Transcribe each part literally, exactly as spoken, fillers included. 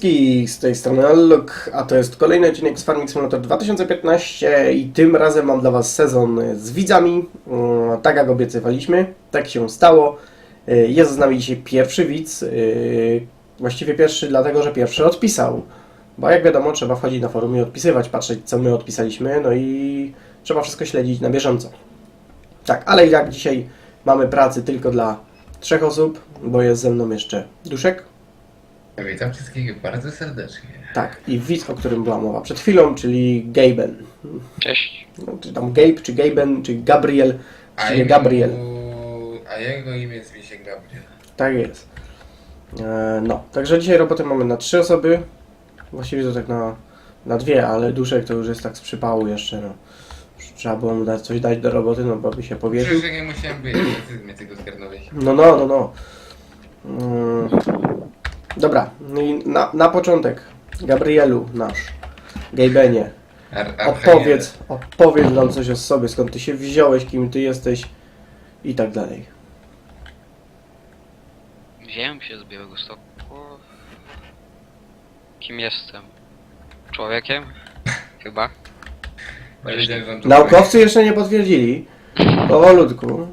wszystkich, z tej strony Allok, a to jest kolejny odcinek z Farming Simulator dwa tysiące piętnaście i tym razem mam dla Was sezon z widzami, tak jak obiecywaliśmy, tak się stało. Jest z nami dzisiaj pierwszy widz, właściwie pierwszy dlatego, że pierwszy odpisał, bo jak wiadomo trzeba wchodzić na forum i odpisywać, patrzeć co my odpisaliśmy, no i trzeba wszystko śledzić na bieżąco. Tak, ale i tak dzisiaj mamy pracy tylko dla trzech osób, bo jest ze mną jeszcze Duszek. Witam wszystkich bardzo serdecznie. Tak, i widz, o którym była mowa przed chwilą, czyli Gaben. Cześć. No, czy tam Gabe, czy Gaben, czy Gabriel, A czy jego- Gabriel. A jego imię zwie się Gabriel. Tak jest. E, no, także dzisiaj roboty mamy na trzy osoby. Właściwie to tak na, na dwie, ale Duszek to już jest tak z przypału jeszcze, no. Trzeba było mu dać, coś dać do roboty, no bo by się powierzył. Przecież ja nie musiałem być, ty mnie tego zgarnąłeś. No, no, no, no. Mm. Dobra, no i na, na początek, Gabrielu nasz, Gabenie, Ar- Archaniel. opowiedz, opowiedz nam coś o sobie, skąd ty się wziąłeś, kim ty jesteś i tak dalej. Wziąłem się z Białegostoku. Kim jestem? Człowiekiem? Chyba. Ja wiedziałem, że on tu Naukowcy jeszcze nie potwierdzili, powolutku.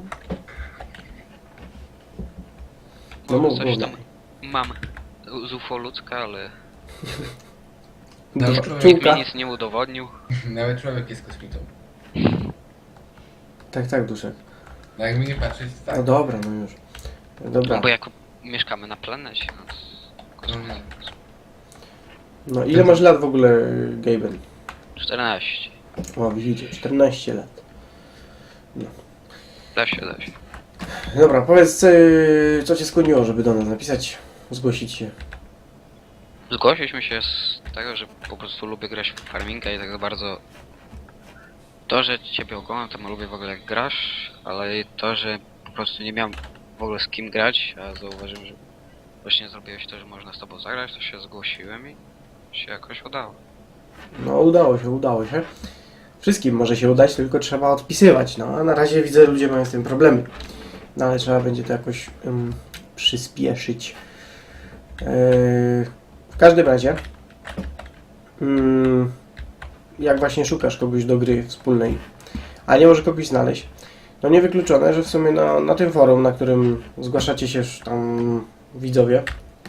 No Może mów, coś mów tam dalej. mam z U F O ludzka, ale No, Duża człowiek nikt mi pszczółka. nic nie udowodnił. Nawet człowiek jest kosmitą. Tak, tak, Duszek. No jakby nie patrzeć, tak. No dobra, no już. Dobra. No bo jako mieszkamy na planecie. No, to- No, No ile masz lat w ogóle, Gaben? czternaście. O, widzicie, czternaście lat. Da się, da się. Dobra, powiedz, yy, co cię skłoniło, żeby do nas napisać, zgłosić się. Zgłosiliśmy się z tego, że po prostu lubię grać w farminga i tak za bardzo to, że ciebie oglądam, to lubię w ogóle jak grasz, ale i to, że po prostu nie miałem w ogóle z kim grać, a zauważyłem, że właśnie zrobiłeś to, że można z tobą zagrać, to się zgłosiłem i się jakoś udało. No udało się, udało się. Wszystkim może się udać, tylko trzeba odpisywać, no a na razie widzę, ludzie mają z tym problemy. No ale trzeba będzie to jakoś ym, przyspieszyć. Yy, w każdym razie, ym, jak właśnie szukasz kogoś do gry wspólnej, a nie może kogoś znaleźć, no niewykluczone, że w sumie na, na tym forum, na którym zgłaszacie się już tam widzowie,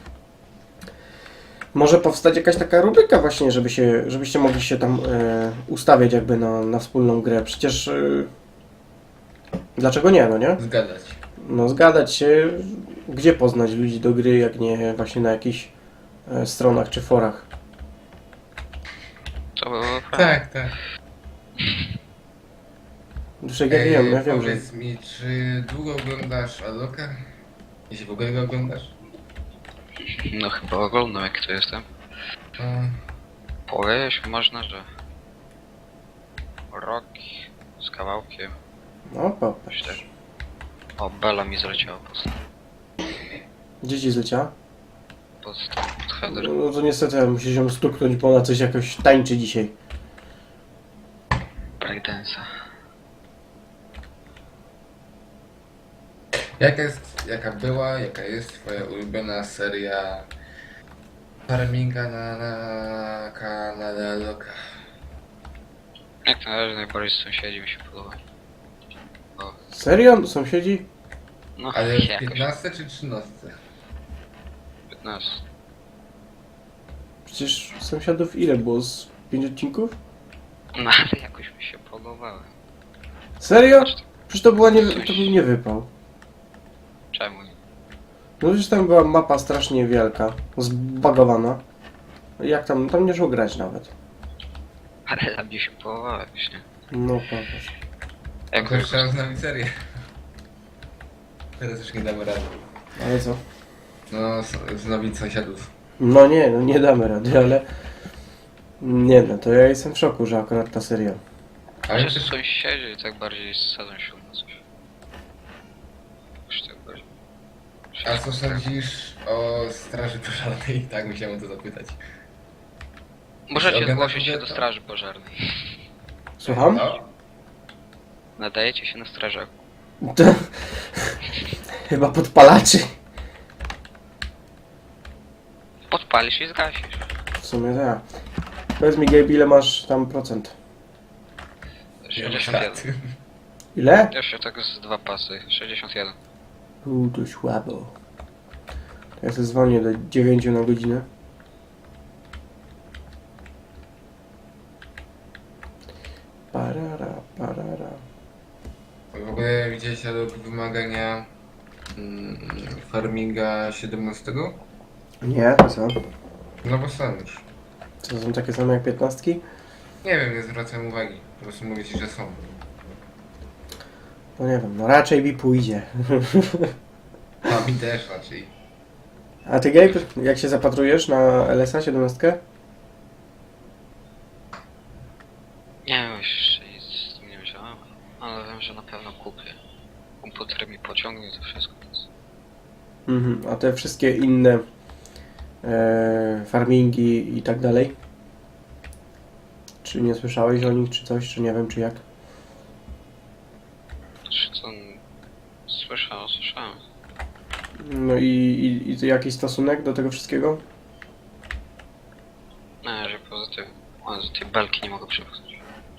może powstać jakaś taka rubryka właśnie, żeby się, żebyście mogli się tam e, ustawiać jakby na, na wspólną grę. Przecież e, dlaczego nie, no nie? zgadać. No zgadać się, gdzie poznać ludzi do gry, jak nie właśnie na jakichś e, stronach czy forach. To było fajne. Tak, tak. Duszek, ja wiem, ja wiem, że... Powiedz mi, czy długo oglądasz Alloka? Jeśli w ogóle go oglądasz? No chyba oglądam jak to jestem. To... Powiedzieć można, że rok z kawałkiem. No popatrz. Myślę. O, Bela mi zleciała pod, Gdzie ci zlecia? pod, pod header. No to niestety musisz ją stuknąć, bo ona coś jakoś tańczy dzisiaj. Breakdance'a. Jaka jest, jaka była, jaka jest twoja ulubiona seria farminga na, na kanale Alloka? Jak na razie najbardziej sąsiedzi mi się podoba. O, Serio? Sąsiedzi? no Ale w jakoś piętnastce czy trzynastce? piętnaście. Przecież sąsiadów ile było? Z pięć odcinków? No ale jakoś mi się podobały. Serio? Przecież to, była nie, to był nie wypał. Czemu nie? No przecież tam była mapa strasznie wielka, zbagowana. Jak tam, tam nie szło grać nawet. Ale dla mnie się podobały właśnie. No popatrz. Jak Jakoś trzeba znać serię. Teraz już nie damy rady. Ale co? No, s- znowić sąsiadów. No nie, no nie damy rady, ale... Nie no, to ja jestem w szoku, że akurat ta seria. Ale Ale też sąsiedzi tak bardziej sadzą się na coś. Już tak bardziej. A co sądzisz o straży pożarnej? Tak, musiałem o to zapytać. Możecie Oglądasz zgłosić się do to? straży pożarnej. Słucham? No, Nadajecie się na strażaku. To... Chyba podpalaczy. podpalisz i zgasisz. W sumie tak. Powiedz mi, Gabe, ile masz tam procent? sześćdziesiąt jeden. Ile? Jeszcze tak z dwa pasy. sześćdziesiąt jeden. Uuu, to słabo. Ja sobie zwolnię do dziewięciu na godzinę. Parara, parara. W ogóle widziałeś ale wymagania mm, farminga siedemnastego? Nie, to co? No bo są już. Co są takie same jak piętnastki? Nie wiem, nie zwracam uwagi. Po prostu mówię ci, że są. No nie wiem, no raczej mi pójdzie. A mi też raczej. A ty, Gabe, jak się zapatrujesz na L S A siedemnaście? Nie wiem, jeszcze nic z tym nie myślałem, ale wiem, że na pewno kupię. Komputer mi pociągnie to wszystko, więc... Mhm, a te wszystkie inne e, farmingi i tak dalej? Czy nie słyszałeś o nich, czy coś, czy nie wiem, czy jak? Czy co... Słyszałem, słyszałem. No i, i, i jakiś stosunek do tego wszystkiego? No, że poza tym... O, z tej belki nie mogę przepchnąć.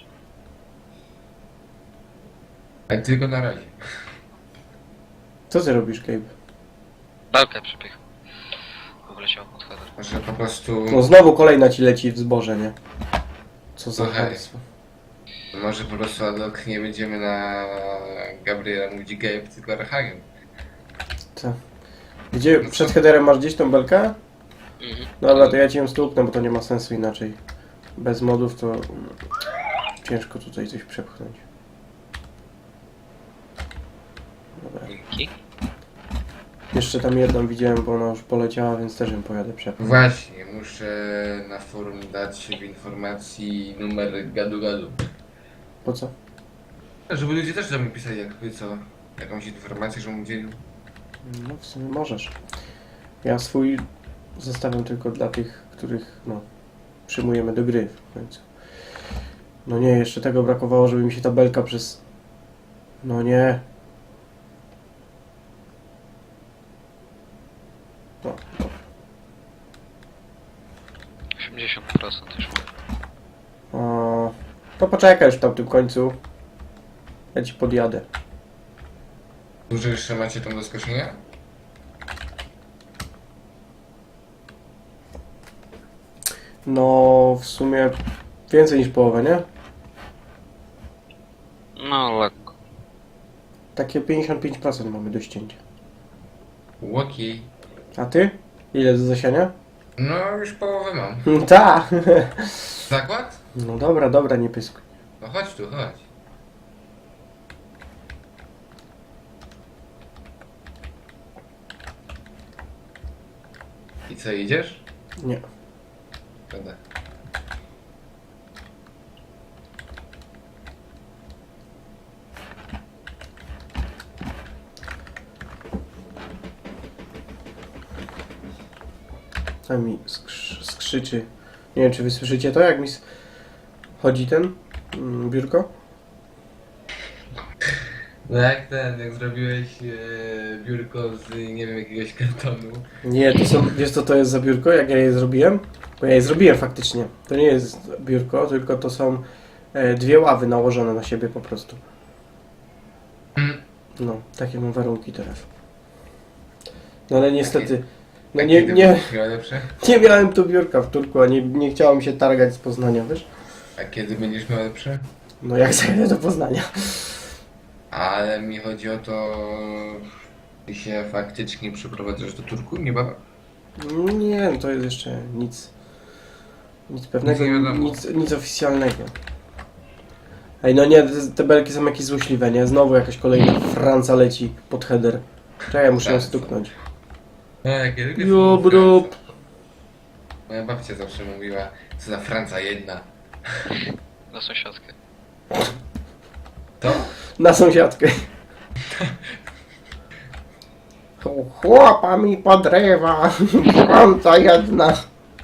Ale tylko na razie. Co ty robisz, Gabe? Belkę przepycham. Wleciał pod header. Może po prostu... No znowu kolejna ci leci w zboże, nie? Co za Słuchaj. chamstwo. Może po prostu Adok nie będziemy na Gabriela mówić Gabe, tylko Archagen. Co? Gdzie, przed headerem masz gdzieś tą belkę? Mhm. Dobra, to ja ci ją stuknę, bo to nie ma sensu inaczej. Bez modów to mm, ciężko tutaj coś przepchnąć. Dobra. Dzięki. Jeszcze tam jedną widziałem, bo ona już poleciała, więc też ją pojadę przepchnąć. Właśnie, muszę na forum dać w informacji numer gadu-gadu. Po co? Żeby ludzie też do mnie pisali jakby co, jakąś informację, żebym udzielił. No w sumie możesz. Ja swój zostawiam tylko dla tych, których no przyjmujemy do gry w końcu. No nie, jeszcze tego brakowało, żeby mi się ta belka przez... No nie. No, no. osiemdziesiąt procent już mam. O, to poczekaj już w tamtym końcu. Ja ci podjadę. Dużo jeszcze macie tam do skoszenia? No w sumie więcej niż połowę, nie? No, lekko. Takie pięćdziesiąt pięć procent mamy do ścięcia. Łoki. A ty? Ile do zasiania? No już połowę mam. Ta! Zakład? No dobra, dobra, nie pyskuj. No chodź tu, chodź. I co, idziesz? Nie. Będę. Tam mi skrz skrzyczy. Nie wiem, czy wy słyszycie to, jak mi s- chodzi ten mm, biurko? No jak ten, jak zrobiłeś e, biurko z, nie wiem, jakiegoś kartonu. Nie, to są, wiesz co to jest za biurko, jak ja je zrobiłem? Bo ja je zrobiłem faktycznie. To nie jest biurko, tylko to są e, dwie ławy nałożone na siebie po prostu. Mm. No, takie mam warunki teraz. No ale niestety, no A nie, kiedy nie, będziesz miał lepsze? nie miałem tu biurka w Turku, a nie, nie chciało mi się targać z Poznania, wiesz? A kiedy będziesz miał lepsze? No jak zajadę do Poznania. Ale mi chodzi o to, ty się faktycznie przeprowadzasz do Turku niebawem? Nie, no to jest jeszcze nic, nic pewnego, Nic nie wiadomo. nic, nic oficjalnego. Ej, no nie, te, te belki są jakieś złośliwe, nie? Znowu jakaś kolejna Franca leci pod header. Czekaj, muszę ją Franca. stuknąć. No, jak ja lubię Jo, filmy bro. Franca. Moja babcia zawsze mówiła, co za Franca jedna. Na sąsiadkę. To? Na sąsiadkę. Chłopa mi podrywa, Franca jedna.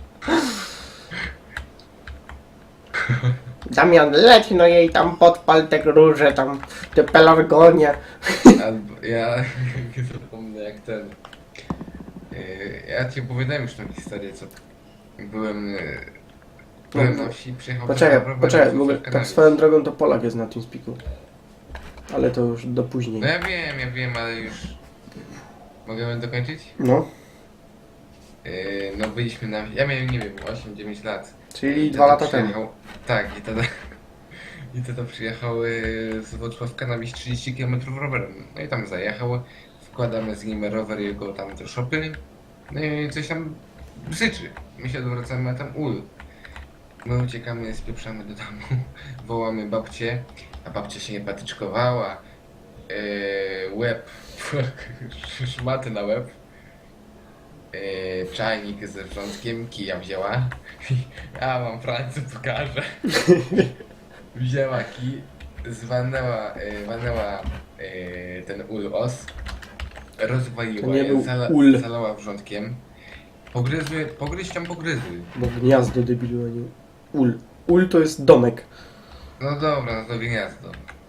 Damian, leć no jej tam podpal te róże, tam te pelargonie. Albo ja nie zapomnę jak ten. Yy, ja ci opowiadałem już tą historię, co byłem, yy, byłem na wsi, przyjechałem... Poczekaj, poczekaj, w ogóle, tak swoją drogą to Polak jest na TeamSpeaku. Ale to już do później. No ja wiem, ja wiem, ale już... Mogę dokończyć? No, Yy, no byliśmy na... Ja miałem, nie wiem, osiem dziewięć lat. czyli I dwa tata lata temu. przyjechał- Tak, i tata... I tata przyjechał yy, z Włocławka na wieś trzydzieści kilometrów rowerem. No i tam zajechał, wkładamy z nim rower jego tam do szopy. No i coś tam bzyczy. My się odwracamy, a tam ul. My uciekamy, spieprzamy do domu, wołamy babcię, a babcia się nie patyczkowała. Yy, łeb, szmaty na łeb. Yy, czajnik ze wrzątkiem, kija wzięła. Ja mam Francu, pokażę. Wzięła kij, zwalnęła, yy, walnęła yy, ten ul os, To rozwaliła nie je, był zala, ul. zalała wrzątkiem. Pogryzły, pogryź tam pogryzły. Bo gniazdo debilu, a nie ul. Ul to jest domek. No dobra, no to gniazdo.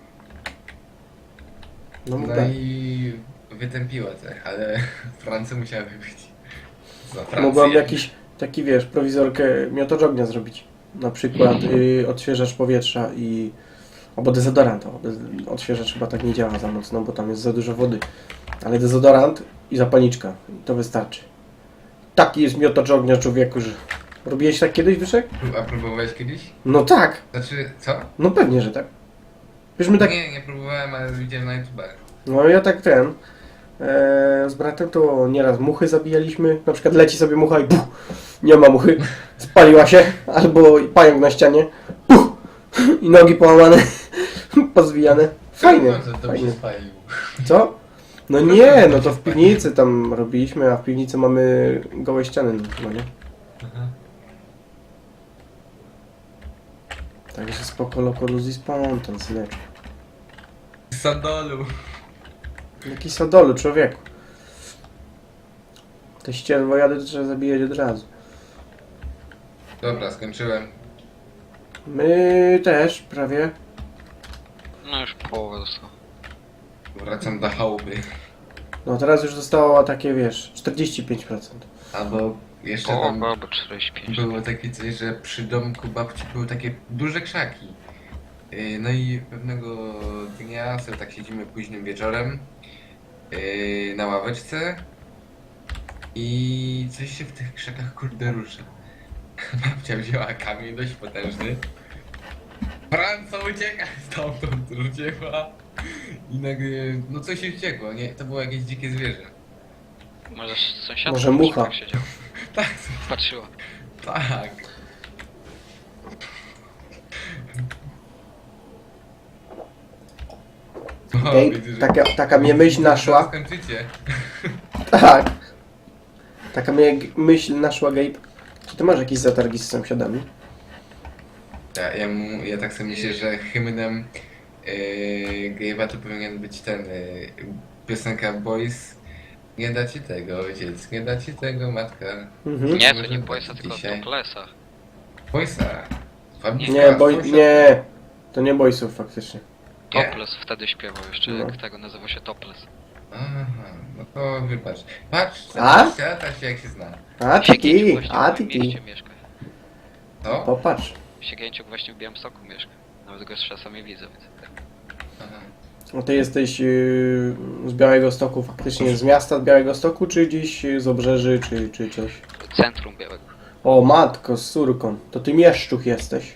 No, No tak. i wytępiła te, ale Francja musiała wypić. Za Francję. Mogłam jakiś taki, wiesz, prowizorkę miotacz ognia zrobić. Na przykład y, odświeżacz powietrza i... Albo dezodorant. O, dez- odświeżacz chyba tak nie działa za mocno, bo tam jest za dużo wody. Ale dezodorant i zapalniczka. I to wystarczy. Taki jest miotacz ognia, człowieku, że... Robiłeś tak kiedyś, Wyszek? A próbowałeś kiedyś? No tak. Znaczy, co? No pewnie, że tak. Wiesz, my tak... Nie, nie próbowałem, ale widziałem na YouTube. No ja tak ten... E, z bratem to nieraz muchy zabijaliśmy. Na przykład leci sobie mucha i puch, nie ma muchy. Spaliła się. Albo pająk na ścianie. Puch, i nogi połamane. Pozwijane. Fajnie. To, to Fajnie. się spalił. Co? No nie, no to w piwnicy tam robiliśmy, a w piwnicy mamy gołe ściany. No nie? Aha. Także spoko, loko, luzi, spontan, syneczku. Z sandolu. Jaki sadolu, człowieku. Te ścierwojady to trzeba zabijać od razu. Dobra, skończyłem. My też, prawie. No już połowę zostało. Wracam do chałupy. No teraz już zostało takie, wiesz, czterdzieści pięć procent. Albo jeszcze tam Połowa albo czterdzieści pięć. było takie coś, że przy domku babci były takie duże krzaki. Yy, No i pewnego dnia sobie tak siedzimy późnym wieczorem yy, na ławeczce i coś się w tych krzakach kurde rusza. Babcia wzięła kamień dość potężny. Franco ucieka stamtąd, rzuciła i nagle, no coś się wściekło, nie? To było jakieś dzikie zwierzę. Może sąsiadka Może mucha. tak siedział. Tak, Patrzyła. tak. O, Gabe, widzę, że- taka, taka mnie myśl naszła. Skończycie. Tak. Taka mnie g- myśl naszła, Gabe. Czy ty masz jakieś zatargi z sąsiadami? Ja, ja, mu- ja tak sobie myślę, że hymnem yy, Gabe'a to powinien być ten yy, piosenka Boys. Nie da ci tego ojciec, nie da ci tego matka. Mhm. Nie, to Może nie tak Boysa, tylko dzisiaj. Toplesa. Boysa. Fabrika, Nie, boj, sąsiad. nie. To nie boysów faktycznie. Nie. Toples wtedy śpiewał jeszcze, No. jak tego nazywał się Toples. Aha, no to wybacz. Patrz, A? tata się jak się zna. A Siegięciuk tiki, właśnie a w moim tiki. mieście mieszka. To? Popatrz. Siegięciuk właśnie w Białymstoku mieszka. Nawet go czasami widzę, więc... Aha. No ty jesteś yy, z Białego Stoku, faktycznie z miasta Białego Stoku, czy gdzieś z obrzeży, czy, czy coś? Centrum Białego. O matko, z córką. To ty mieszczuch jesteś.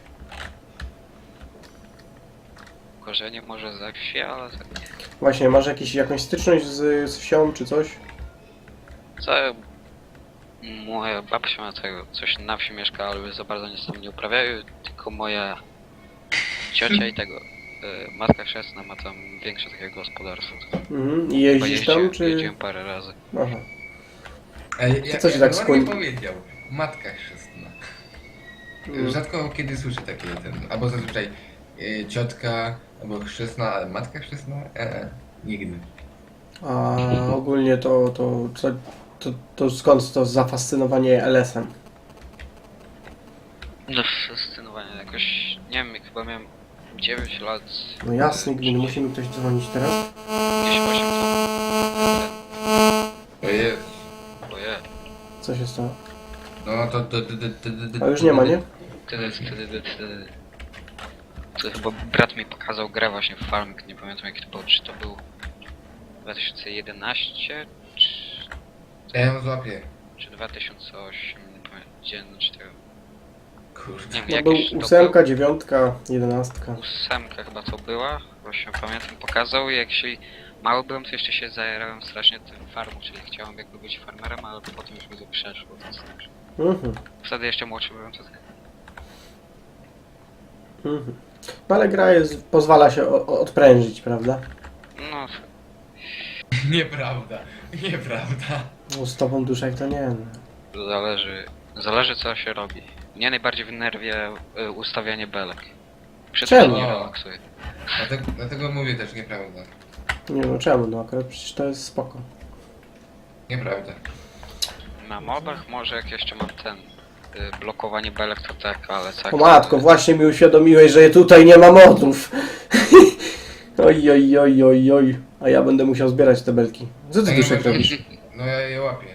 Korzenie może ze wsi, ale tak nie. Właśnie, masz jakiś, jakąś styczność z, z wsią, czy coś? Co? Moja babcia ma tego, coś na wsi mieszka, ale za bardzo nic tam nie uprawiają, tylko moja ciocia i tego, y, matka chrzestna ma tam większe takie gospodarstwo. Mhm. I jeździsz Pojeździłem- tam, czy... Jeździłem parę razy. Aha. Ej, To ja, co się ja tak ładnie skłoni- powiedział. Matka chrzestna. Mm. Rzadko kiedy słyszę takie ten, albo zazwyczaj y, ciotka, albo chrzestna, ale matka chrzestna? E, e, nigdy. A ogólnie to, to, co, to, to skąd to zafascynowanie L S-em? No fascynowanie jakoś, nie wiem, jak chyba miałem dziewięć lat. No jasny, gdy musi mi ktoś dzwonić teraz. Jakieś osiem lat. To jest. Bo jest. Co się stało? No to... to, to, to, to, to A już nie ma, nie? Wtedy, wtedy, wtedy... To chyba brat mi pokazał grę właśnie w Farming, nie pamiętam jaki to był, czy to był dwa tysiące jedenaście, czy, Ja ją złapię. czy dwa tysiące osiem, nie pamiętam, gdzie, no czy tego... Kurde. Nie wiem, No jakieś był to ósemka, dziewiątka, jedenastka. był, ósemka chyba to była, właśnie pamiętam, pokazał i jak się mały byłem, to jeszcze się zajerałem strasznie tym farmą, czyli chciałem jakby być farmerem, ale potem już mi to przeszło, to znaczy. Mhm. Wtedy jeszcze młodszy byłem, to tak. Mhm. No ale gra jest, pozwala się o, o, odprężyć, prawda? No, Nieprawda. Nieprawda. No z tobą duszek to nie. No. zależy, zależy co się robi. Mnie najbardziej wnerwia y, ustawianie belek. Przy Czemu? tym nie relaksuję. Dlatego, dlatego mówię też nieprawda. Nie no czemu, no akurat przecież to jest spoko. Nieprawda. Na modach może jak jeszcze mam ten y, blokowanie belek to tak, ale tak. O matko, właśnie mi uświadomiłeś, że tutaj nie ma modów. Oj, oj, oj, oj, oj. A ja będę musiał zbierać te belki. Co ty No nie duszek ma- robisz? No ja je łapię.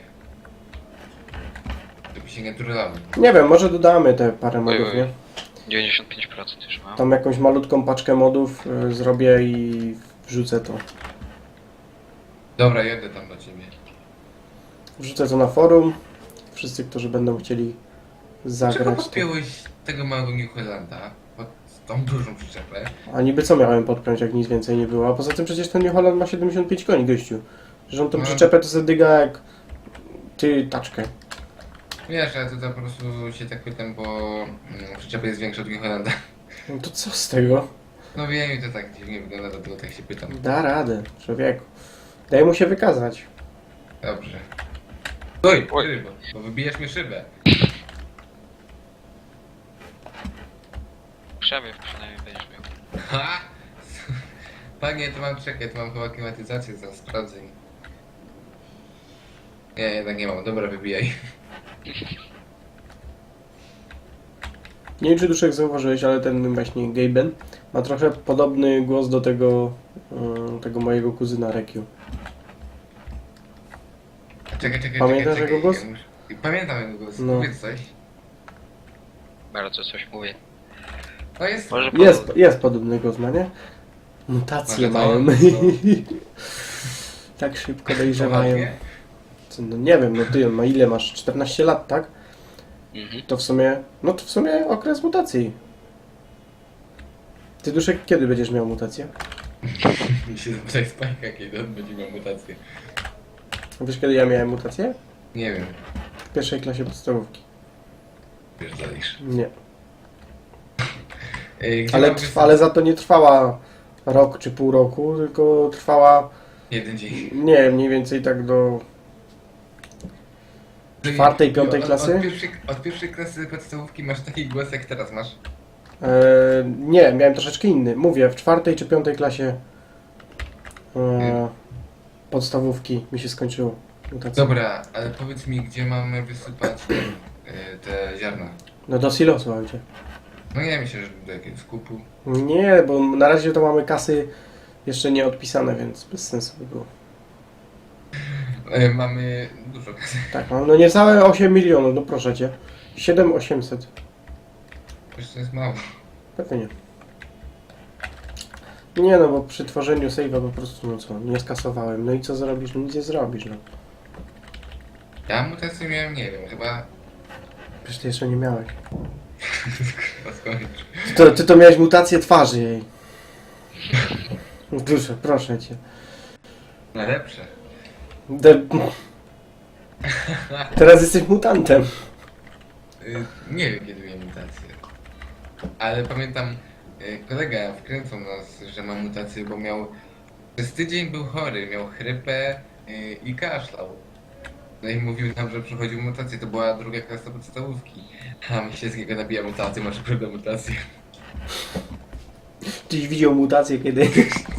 Żeby się nie turlały. Nie wiem, może dodamy te parę Oj, modów, oj. nie? dziewięćdziesiąt pięć procent już mam. Tam jakąś malutką paczkę modów y, zrobię i wrzucę to. Dobra, jedę tam do ciebie. Wrzucę to na forum. Wszyscy, którzy będą chcieli Dlaczego zagrać. To... podpiąłeś tego małego New Hollanda pod tą dużą przyczepę? A niby co miałem podpiąć, jak nic więcej nie było. A poza tym przecież ten New Holland ma siedemdziesiąt pięć koni, gościu. Że on tą No. przyczepę to sobie dyga jak... Ty, taczkę. Wiesz, ale tutaj po prostu się tak pytam, bo mm, przyczepa jest większa od New Hollanda. No to co z tego? No wiem, i to tak dziwnie wygląda, dlatego tak się pytam. Da radę, człowieku. Daj mu się wykazać. Dobrze. Oj, Oj. rybo, bo wybijesz mi szybę. Przewiew przynajmniej będziesz miał. Ha! Panie, to mam, czekaj, to mam chyba klimatyzację, za sprawdzę. Nie, jednak nie mam, dobra, wybijaj. Nie wiem, czy Duszek zauważyłeś, ale ten właśnie Gaben ma trochę podobny głos do tego, y, tego mojego kuzyna Rekiu. Czekaj, czekaj, Pamiętasz czekaj, jego głos? czekaj. Ja muszę- Pamiętam jego głos, No. powiedz coś. Bardzo coś mówię. No jest... Może Jest, jest podobny głos, ma nie? Mutacje Może to- mają. no. Tak szybko dojrzewają. Poważnie? Co, no nie wiem, no ty, ma ile masz? czternaście lat, tak? Mhm. To w sumie, no to w sumie okres mutacji. Ty Duszek, kiedy będziesz miał mutację? Mi się zapytaj Spajka, kiedy on będzie miał mutację. Wiesz, kiedy ja miałem mutację? Nie wiem, W pierwszej klasie podstawówki. wiesz, zalisz. Nie. Ej, gdzie Ale, mam trwa, ale za to nie trwała rok czy pół roku, tylko trwała, Jeden dzień. nie, mniej więcej tak do... Czwartej, piątej od, klasy? Od pierwszej, od pierwszej klasy podstawówki masz taki głos, jak teraz masz. E, nie, miałem troszeczkę inny. Mówię, w czwartej czy piątej klasie e, podstawówki mi się skończyło mutacja. Dobra, ale powiedz mi, gdzie mamy wysypać e, te ziarna? No do silosu, a gdzie? No nie myślę, że do jakiegoś skupu. Nie, bo na razie to mamy kasy jeszcze nie odpisane, więc bez sensu by było. E, mamy dużo kasy. Tak, mam no niecałe osiem milionów, no proszę cię. siedem osiemset. Wiesz, to jest mało. Pewnie nie. Nie no, bo przy tworzeniu save'a po prostu, no co, nie skasowałem. No i co zrobisz? No nic nie zrobisz, no. Ja mutację miałem, nie wiem, chyba... Przecież ty jeszcze nie miałeś. Chyba skończył. Ty to, ty to miałeś mutację twarzy jej. Duszę, proszę cię. Najlepsze. De... Teraz jesteś mutantem. Y, nie wiem, kiedy miałem mutację. Ale pamiętam, y, kolega wkręcał nas, że ma mutację, bo miał... Przez tydzień był chory, miał chrypę y, i kaszlał. No i mówił nam, że przechodził mutację, to była druga klasa podstawówki. A my się z niego nabija mutację, masz prawda mutację. Czyś widział mutację kiedy?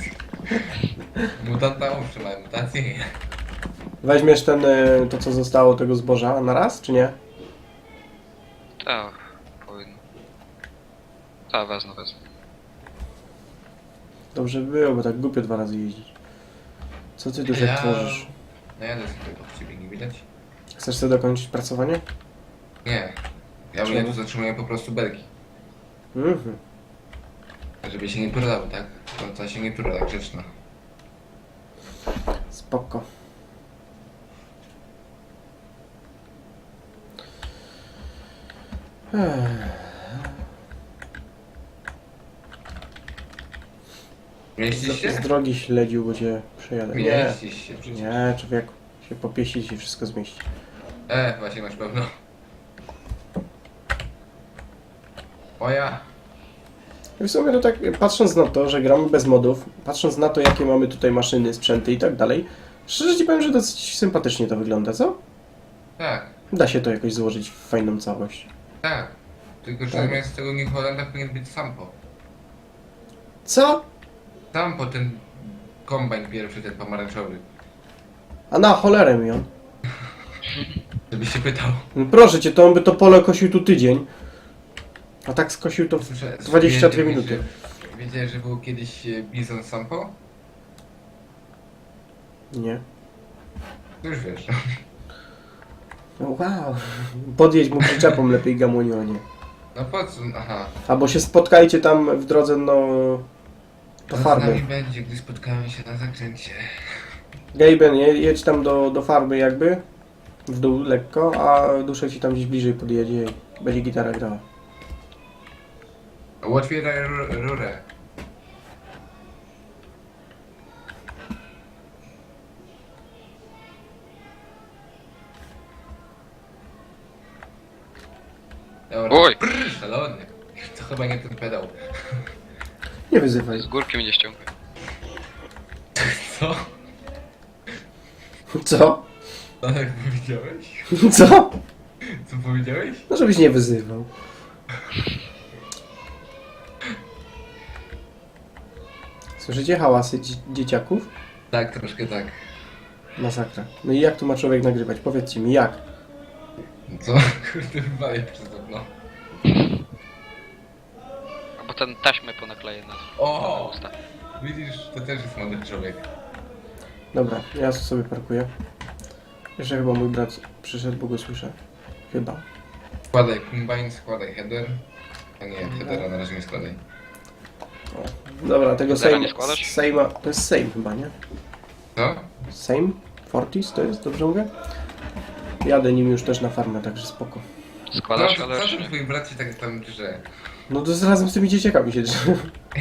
Mutanta owszem, ale mutację nie. Weźmiesz ten, e, to co zostało tego zboża na raz, czy nie? Tak, powinno. Tak, wezmę, wezmę. Dobrze by było, bo tak głupio dwa razy jeździć. Co ty Duszek Ja- tworzysz? No jadę sobie od ciebie, nie widać? Chcesz sobie dokończyć pracowanie? Nie. Ja Czemu? mnie tu zatrzymuję po prostu belki. Mhm. Żeby się nie turlały, tak? To, to się nie turla, tak grzeczna. Spoko. Ech. Mieścisz Z, z się? drogi śledził, bo cię przejadę. Nie, Mieścisz się przecież. nie, człowieku. Się popieścić i wszystko zmieści. E, właśnie masz pewno. Moja. I w sumie to tak, patrząc na to, że gramy bez modów, patrząc na to, jakie mamy tutaj maszyny, sprzęty i tak dalej, szczerze ci powiem, że dosyć sympatycznie to wygląda, co? Tak, Da się to jakoś złożyć w fajną całość. tak. Tylko, że Tak. zamiast tego New Hollanda powinien być Sampo. Co? Sampo, ten kombajn pierwszy, ten pomarańczowy. A na cholerę mi on. Żebyś się pytał. No proszę cię, to on by to pole kosił tu tydzień. A tak skosił to w Słyszę- dwadzieścia dwie wiedziałeś, minuty. że- Wiedziałeś, że był kiedyś e, Bizon Sampo? Nie. To już wiesz. No wow. Podjedź mu przyczepą lepiej gamonionie. No po co? Aha. Albo się spotkajcie tam w drodze, no... Do Co z nami farmy. będzie, gdy spotkamy się na zakręcie? Gaben, je- jedź tam do, do farmy jakby. W dół lekko, a duszę ci tam gdzieś bliżej podjedzie i będzie gitara grała. Otwieraj ru- rurę. Dobra. Oj! Brrr, szalony. To chyba nie ten pedał. Nie wyzywaj. Z górki mnie ściągaj. Co? Co? Tak powiedziałeś? Co? Co powiedziałeś? No żebyś nie wyzywał. Słyszycie hałasy dzie dzieciaków? Tak, troszkę tak. Masakra. No i jak tu ma człowiek nagrywać? Powiedzcie mi, jak? Co? Kurde, wywalił przez okno. Albo ten taśmę ponakleję na, O! na usta. Widzisz, to też jest młody człowiek. Dobra, ja sobie parkuję. Jeszcze chyba mój brat przyszedł, bo go słyszę. Chyba. Składaj kombine, składaj header. A nie, headera na razie nie składaj. O. Dobra, tego Zera Sejm... nie składasz? Sejma... To jest Sejm chyba, nie? Co? Sejm? Fortis to jest? Dobrze mówię? Jadę nim już też na farmę, także spoko. Składasz, No, ale co już ten nie. twój brat się tak tam drze? No to z razem z tymi dzieciakami się drze.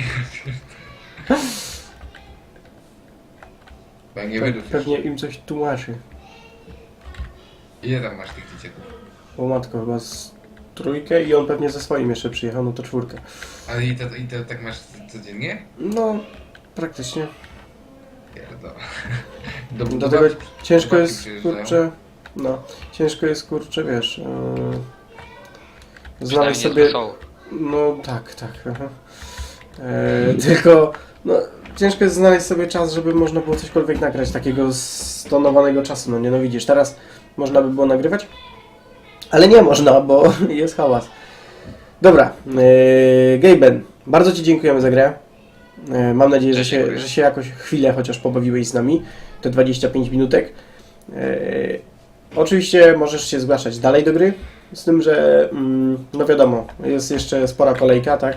Bo nie Pe- wydów Pewnie im coś tłumaczy. Ile tam masz tych dzieciaków? O matko, chyba z trójkę i on pewnie ze swoim jeszcze przyjechał, no to czwórkę. Ale i to, i to tak masz codziennie? No, praktycznie. Pierdo. Do, Dlatego babci- ciężko do babci jest, przyjeżdżają. kurczę, no, ciężko jest, kurczę, wiesz, yy, znaleźć Przynajmniej sobie, jest wesoło. no tak, tak, aha. E, tylko, no, ciężko jest znaleźć sobie czas, żeby można było cośkolwiek nagrać, takiego stonowanego czasu, no nie, no widzisz, teraz można by było nagrywać, ale nie można, bo jest hałas. Dobra, yy, Gaben, bardzo Ci dziękujemy za grę. E, Mam nadzieję, że Też się, dziękuję. że się jakoś chwilę chociaż pobawiłeś z nami, te dwadzieścia pięć minutek. E, oczywiście możesz się zgłaszać dalej do gry, z tym, że mm, no wiadomo, jest jeszcze spora kolejka, tak?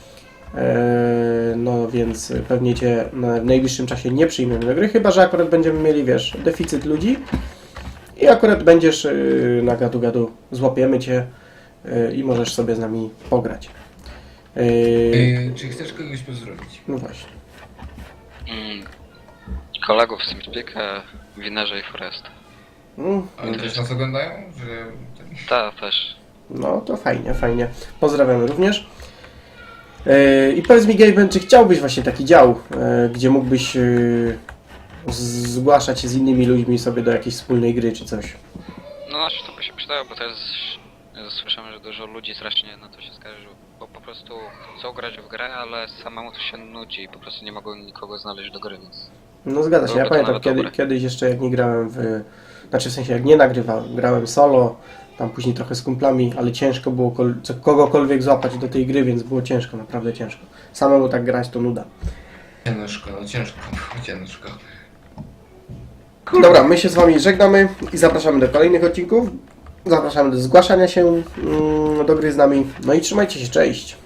E, no więc pewnie Cię na- w najbliższym czasie nie przyjmiemy do gry, chyba że akurat będziemy mieli, wiesz, deficyt ludzi i akurat będziesz y, na gadu-gadu, złapiemy Cię y, i możesz sobie z nami pograć. E, Yy, czy chcesz kogoś pozdrowić? no właśnie. Mm. Kolegów z Teamspeaka, Winerze i Forest. Mm, Oni też nas oglądają? Że... ten- Ta też. No to fajnie, fajnie. Pozdrawiamy również. Yy, I powiedz mi, Gaben, czy chciałbyś właśnie taki dział, yy, gdzie mógłbyś yy, z- zgłaszać się z innymi ludźmi sobie do jakiejś wspólnej gry czy coś? No znaczy to by się przydało, bo teraz ja słyszałem, że dużo ludzi strasznie na to się skarżyło. Bo po prostu chcą grać w grę, ale samemu to się nudzi i po prostu nie mogą nikogo znaleźć do gry, więc... No zgadza się, ja Byłoby to pamiętam nawet kiedy, dobre. kiedyś jeszcze jak nie grałem w... Znaczy w sensie jak nie nagrywałem, grałem solo, tam później trochę z kumplami, ale ciężko było kol- co- kogokolwiek złapać do tej gry, więc było ciężko, naprawdę ciężko. Samemu tak grać to nuda. Ciężko, no ciężko, ciężko. Kurde. Dobra, my się z Wami żegnamy i zapraszamy do kolejnych odcinków. Zapraszamy do zgłaszania się mm, do gry z nami. No i trzymajcie się, cześć!